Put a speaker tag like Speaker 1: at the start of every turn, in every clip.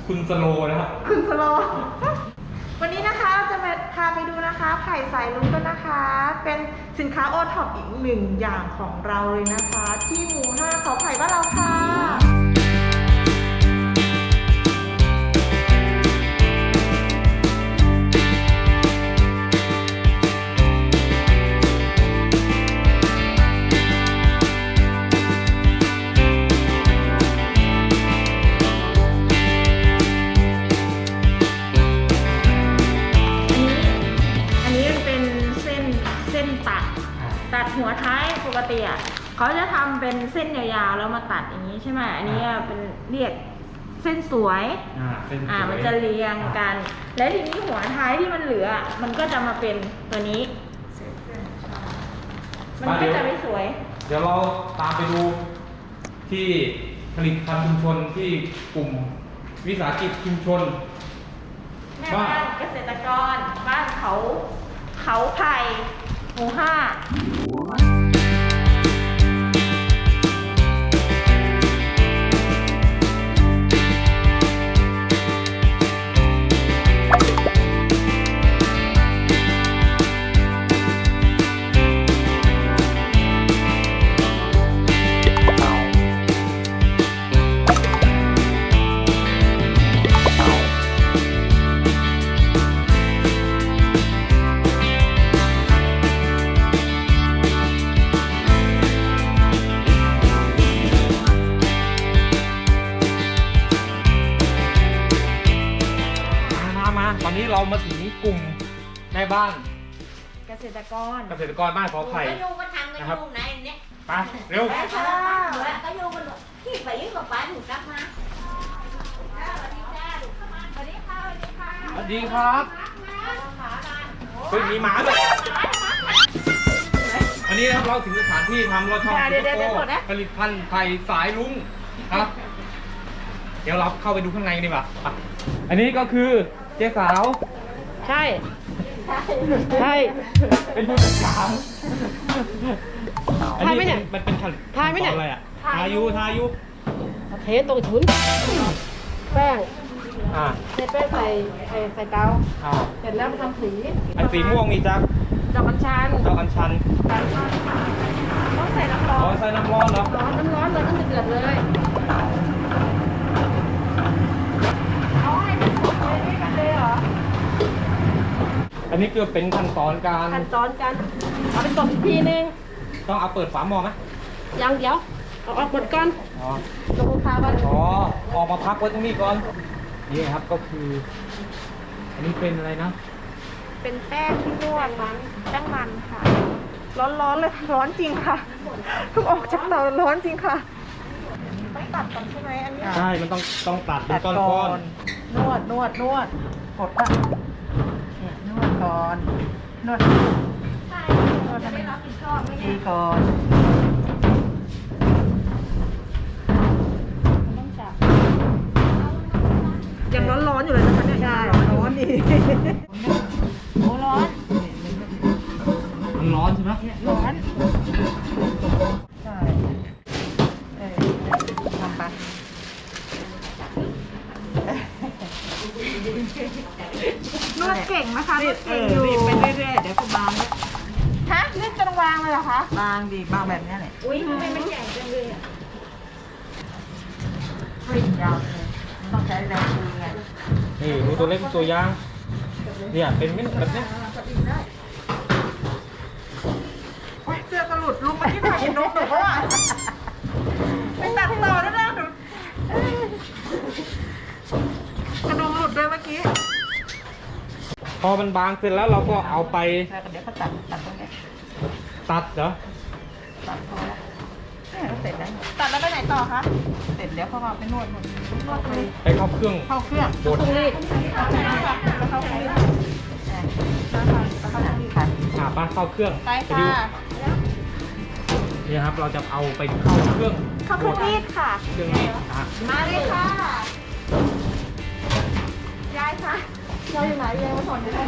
Speaker 1: คุณสโลนะครับ
Speaker 2: คุณสโลวันนี้นะคะจะมาพาไปดูนะคะไผ่สายลุ้งกันนะคะ เป็นสินค้าโอท็อปอีกหนึ่งอย่างของเราเลยนะคะ ที่หมู่5เขาไผ่บ้านเราค่ะตัดหัวท้ายปกติอ่ะเขาจะทำเป็นเส้นยาวๆแล้วมาตัดอย่างนี้ใช่ไหมอันนี้เป็นเรียกเส้นสวยมันจะเรียงกันและทีนี้หัวท้ายที่มันเหลือมันก็จะมาเป็นตัวนี้มันก็จะไม่สวย
Speaker 1: เดี๋ยวเราตามไปดูที่ผลิตภัณฑ์ชุมชนที่กลุ่มวิสาหกิจชุมชน
Speaker 2: แม่บ้านเกษตรกรบ้านเขาไผ่หมู่5
Speaker 1: ตอนนี้เรามาถึงกลุ่มแม่บ้าน
Speaker 2: เกษตรกร
Speaker 1: บ้านขอไผ่
Speaker 3: นะครับไป
Speaker 1: เร็ว
Speaker 3: ก็โยงกันที่ไปยิ่งกว่าป้าถูกรับมา
Speaker 1: สวัสดีครับเฮ้ยมีหมาด้วยอันนี้นะครับเราถึงสถานที่ทำเราทำผลิตภัณฑ์ไผ่สายลุ้งครับ เดี๋ยวเราเข้าไปดูข้างในดีกว่าอันนี้ก็คือเจ๊สาว
Speaker 2: ใช่
Speaker 1: เป็นผู้จัดการอันนี้มันเป็นขั้นตอนอะไรอ่ะทายุ
Speaker 4: เทตรงถุนแป้งเทแป้งใส่เตาเสร็จแล้วมาทำสี
Speaker 1: อันสีม่วงนี่จ๊ะ
Speaker 4: ดอกกัญชัน
Speaker 2: ต้องใส่น้ำร้อน
Speaker 1: ใส่น้ำร้อนเหรอ
Speaker 4: น้ำร้อนเลยต้องเดือดเลย
Speaker 2: เอาให้มันสุกเลยนี่กันเลยเหรอ
Speaker 1: อันนี้คือเป็นขั้นตอนการ
Speaker 4: เอาไปกดอีกทีนึง
Speaker 1: ต้องเอาเปิดฝาหม้อไหม
Speaker 4: ยังเดี๋ยวเอาออกหมดก่อนลงคาก่อน
Speaker 1: ออกมาพักไว้ตรงนี้ก่อนนี่ครับก็คืออันนี้เป็นอะไรนะ
Speaker 2: เป็นแป้งที่นวดแป้งมันค่ะร้อนเลยร้อนจริงค่ะเพิ่งออกจากเตาร้อนจริงค่ะต้องตัดก่อนใช่ไหมอันนี้
Speaker 1: ใช่มันต้องตัดเป็นก้อน
Speaker 2: นวดกดอ่ะนวดก่อนนวดให้มันดีก่อนยังร้อนอยู่เลยนะคะเนี่ยร้อนดี
Speaker 4: โอ้ร้อน
Speaker 1: มันร้อนใช่ไหม
Speaker 2: ร้อนใช่ทำไปนวดเก่งนะคะนวดเก่งอยู่
Speaker 4: ไปเรื่อยๆเดี๋ยวก็บาง
Speaker 2: ฮะนี่จะวางเลยเหรอคะ
Speaker 4: บางแบบนี้แหละ
Speaker 2: อุ้ยทำไมมันใหญ่จังเลยอ่ะ
Speaker 4: ยาวเลยต้องใช้แรงมือไง
Speaker 1: นี่ดูตัวเล็กตัวย่างเนี่ยเป็นเม็ดแบบนี้
Speaker 2: เสื้อกระหลุดลุกมาที่ถ่ายนกหนูว่าไปตัดต่อแล้วนะหนูกระดุมหลุดด้วยเมื่อกี้
Speaker 1: พอมันบางเสร็จแล้วเราก็เอาไป
Speaker 4: เดี๋ยวเขาตัดตรงนี้
Speaker 1: ตัดเหรอ
Speaker 4: ตัดพอแล้วเสร็จแล้ว
Speaker 2: ตัดแล้วไปไหนต่อคะ
Speaker 4: เสร็จแล้วเขาก็ไปนวด
Speaker 1: ไปเข้าเครื่อง
Speaker 2: บดรีดแล้วเข้าเครื่อง
Speaker 1: ป้าเข้าเครื่อง
Speaker 2: ไปค่ะ
Speaker 1: นี่ครับเราจะเอาไปเข้าเครื่อง
Speaker 2: รีดค่ะ
Speaker 1: เครื่องรีด
Speaker 2: มาเลยค่ะยายค่ะเราอยู่ไหนยายมาสอนอยู่ไหน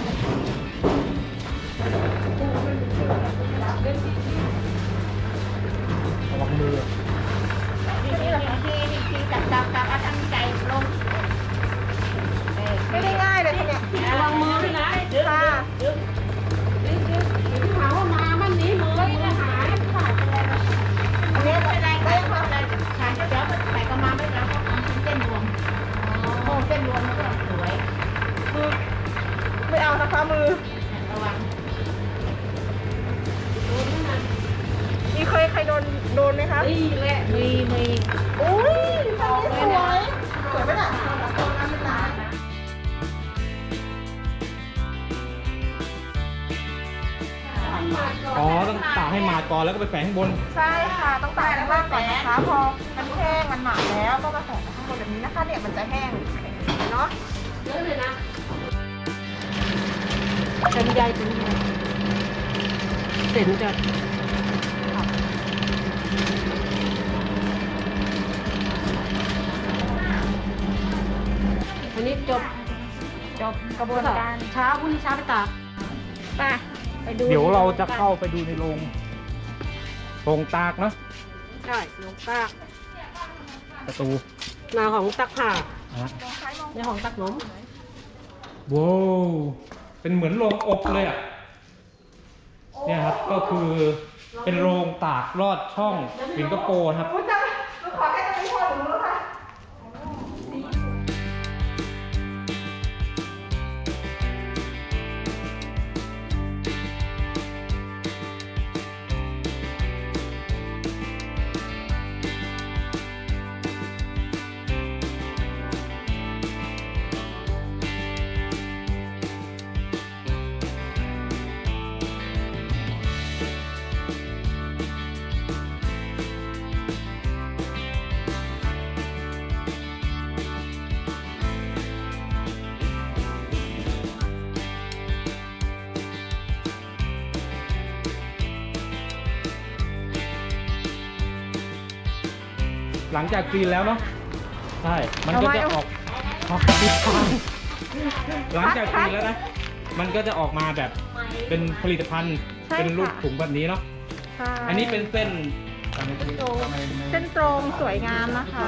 Speaker 1: ระวังมือ
Speaker 2: นี่เหรอคะที่จับเอาตั้งใจลง
Speaker 1: ากให้หมาดก่อนแล้วก็ไปแฝงข้างบน
Speaker 2: ใช่ค่ะต้องตากข้างล่างก่อนนะคะพอมันแห้งมันหมาดแล้วก็มาแฝงข้างบนแบบนี้นะคะเนี่ยมันจะแห้งเนาะ
Speaker 4: เยอะเลยนะเป็นใยเป็นใยเส้นจะอันนี้จบ
Speaker 2: กระบวนการ
Speaker 4: เช้าพรุ่งนี้เช้าไปตาก
Speaker 2: ไปดู
Speaker 1: เดี๋ยวเราจะเข้าไปดูในโรงตากเนาะ
Speaker 4: ใช่ลงตาก
Speaker 1: ประตู
Speaker 4: นาของตักผ่า
Speaker 1: นะ
Speaker 4: ในของตักหนม
Speaker 1: ว้าวเป็นเหมือนโรงอบเลยอ่ะเนี่ยครับก็คือเป็นโรงตากลอดช่องสิงคโปร์ครับ
Speaker 2: ขอแค่ตรงนี้พอหนูรู้ค่ะ
Speaker 1: หลังจากซีนแล้วเนาะใช่มันก็จะออกหลังจากซีนแล้วนะมันก็จะออกมาแบบเป็นผลิตภัณฑ์
Speaker 2: ใช่
Speaker 1: เป็นรูป
Speaker 2: ค่ะ
Speaker 1: ถุงแบบนี้เนาะ
Speaker 2: ใช่
Speaker 1: อันนี้เป็นเส้น
Speaker 2: เส้นตรงสวยงามนะคะ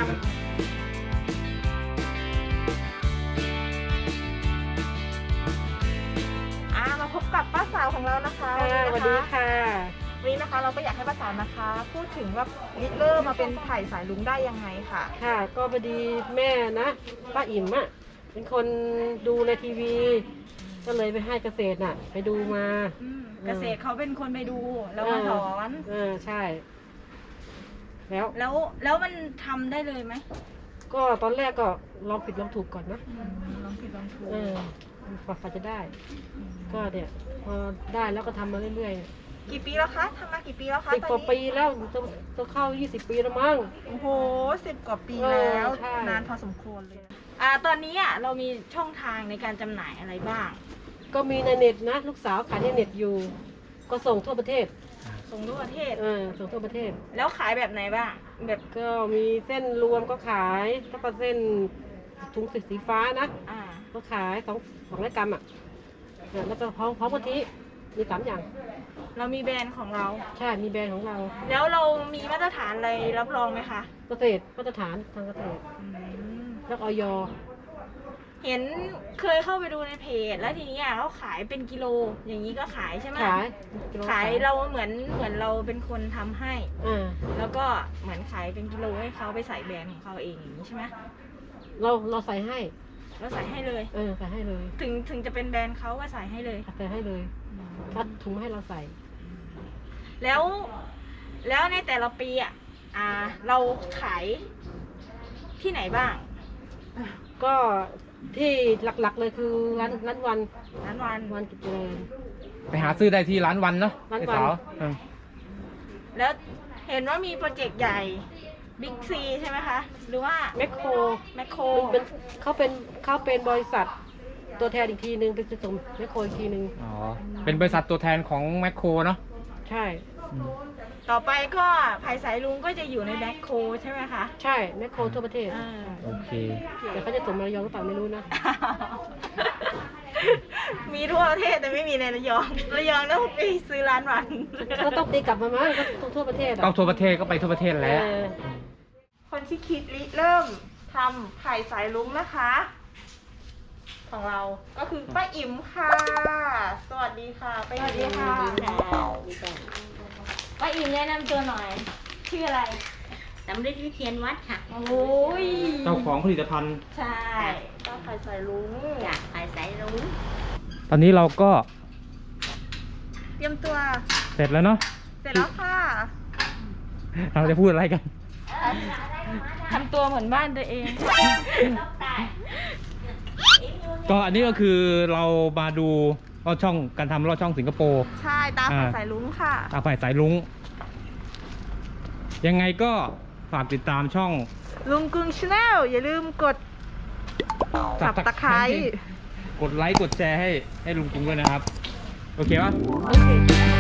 Speaker 2: มาพบกับป้าสาวของเรานะคะ
Speaker 4: สวัสดีค่ะ
Speaker 2: วันนี้นะคะเราก็อยากให้ป้าสาวนะคะ พูดถึงว่าริเริ่มมาเป็นไผ่สายลุงได้ยังไงค่ะ
Speaker 4: ค่ะ ก็พอดีแม่นะป้าอิ่มอ่ะเป็นคนดูในทีวี ก็เลยไปให้เกษตรน่ะ ไปดูมา
Speaker 2: เกษตรเขาเป็นคนไปดูแล้วมาถอน
Speaker 4: ใช่ แล้ว
Speaker 2: แล้วมันทำได้เลยไหม
Speaker 4: ก็ตอนแรกก็ลองผิดลองถูกก่อนนะ
Speaker 2: ลองผิดลองถูก
Speaker 4: กว่าจะได้ ก็เนี่ยพอได้แล้วก็ทำมาเรื่อย
Speaker 2: กี่ปีแล้วคะทำมากี่ปีแล้วคะ
Speaker 4: ๆ10 กว่าปีแล้วจะเข้า20 ปีแล้วมั้ง
Speaker 2: โอ้โห10 กว่าปีแล้ว
Speaker 4: ใช่
Speaker 2: นานพอสมควรเลยตอนนี้เรามีช่องทางในการจำหน่ายอะไรบ้าง
Speaker 4: ก็มีในเน็ตนะ ลูกสาวขายในเน็ตอยู่ ก็ส่งทั่วประเทศ
Speaker 2: ส่งทั่วประเทศ
Speaker 4: ส่งทั่วประเทศ
Speaker 2: แล้วขายแบบไหนบ้างแบบ
Speaker 4: ก็มีเส้นรวมก็ขายแล้วก็เส้นถุงสีฟ้านะ ก็ขาย200 กรัมอ่ะแล้วก็พร้อมกะทิมี3 อย่าง
Speaker 2: เรามีแบรนด์ของเรา
Speaker 4: ใช่ มีแบรนด์ของเรา
Speaker 2: แล้วเรามีมาตรฐานอะไรรับรองไหมคะ
Speaker 4: เกษตรมาตรฐานทางเกษตรแล้วออย
Speaker 2: เห็นเคยเข้าไปดูในเพจแล้วทีนี้เขาขายเป็นกิโลอย่างนี้ก็ขายใช่ไหม ขายเราเหมือนเราเป็นคนทำให้ แล้วก็เหมือนขายเป็นกิโลให้เขาไปใส่แบรนด์ของเขาเองอย่างนี้ใช่ไหม
Speaker 4: เราใส่ให้
Speaker 2: เราใส่ให้เลย
Speaker 4: ใส่ให้เลย
Speaker 2: ถึงจะเป็นแบรนด์เขาก็ใส่ให้เลย
Speaker 4: ใส่ให้เลยคัดถุงให้เราใส่
Speaker 2: แล้วในแต่ละปีเราขายที่ไหนบ้าง
Speaker 4: ก็ที่หลักๆเลยคือร้านวัน วันกิจเจริญ
Speaker 1: ไปหาซื้อได้ที่ร้านวันเนาะ
Speaker 4: ร้านวัน
Speaker 1: ไอ้สาว
Speaker 2: แล้วเห็นว่ามีโปรเจกต์ใหญ่บิ๊กซีใช่ไหมคะ หรือว่า
Speaker 4: แมคโคร
Speaker 2: แมคโคร
Speaker 4: เขาเป็นบริษัทตัวแทนอีกทีนึงเป็นส่งแมคโครอีกทีนึง
Speaker 1: อ๋อเป็นบริษัทตัวแทนของแมคโครเนาะ
Speaker 4: ใช่
Speaker 2: ต่อไปก็ไผ่สายลุงก็จะอยู่ในแมคโครใช่ไหมคะ
Speaker 4: ใช่แมคโครทั่วประเทศ
Speaker 1: โอเค
Speaker 4: แต่เขาจะส่งมาระยองหรือเปล่าไม่รู้นะ
Speaker 2: มีทั่วประเทศแต่ไม่มีในระยองต้องไปซื้อร้านวัน
Speaker 4: ก็ต้องตีกลับมามั้งก็ต้องทั่วประเทศ
Speaker 1: ต้องทั่วประเทศก็ไปทั่วประเทศแล้ว
Speaker 2: คนที่คิดเริ่มทำไผ่สายลุงนะคะ ของเราก็คือป้าอิ่มค่ะ สวัสดีค่ะป้าอิ่ม
Speaker 3: สวัสดีค่ะ ป้าอิ่มแนะนำตัวหน่อย
Speaker 2: ชื่ออะไร
Speaker 3: สำริดวิเทียนวัดค่ะ
Speaker 2: โอ้ย
Speaker 1: เจ้าของผลิตภัณฑ์
Speaker 2: ใช่ป้าไผ่สายลุง
Speaker 3: จากภายสายรุ้ง
Speaker 1: ตอนนี้เราก็
Speaker 2: เตรียมตัว
Speaker 1: เสร็จแล้วเนาะ
Speaker 2: เสร็จแล้วค่ะ
Speaker 1: เราจะพูดอะไรกัน
Speaker 2: ทำตัวเหมือนบ้านตัวเอง
Speaker 1: ก็อันนี้ก็คือเรามาดูลอดช่องการทำลอดช่องสิงคโปร์
Speaker 2: ใช่ตามสายลุงค่ะ
Speaker 1: ตาฝ่ายสายลุงยังไงก็ฝากติดตามช่อง
Speaker 2: ลุงกึ่งชาแนลอย่าลืมกดสับตะไคร้
Speaker 1: กดไลค์กดแชร์ให้ลุงกรุงด้วยนะครับ โอเคปะ
Speaker 2: โอเค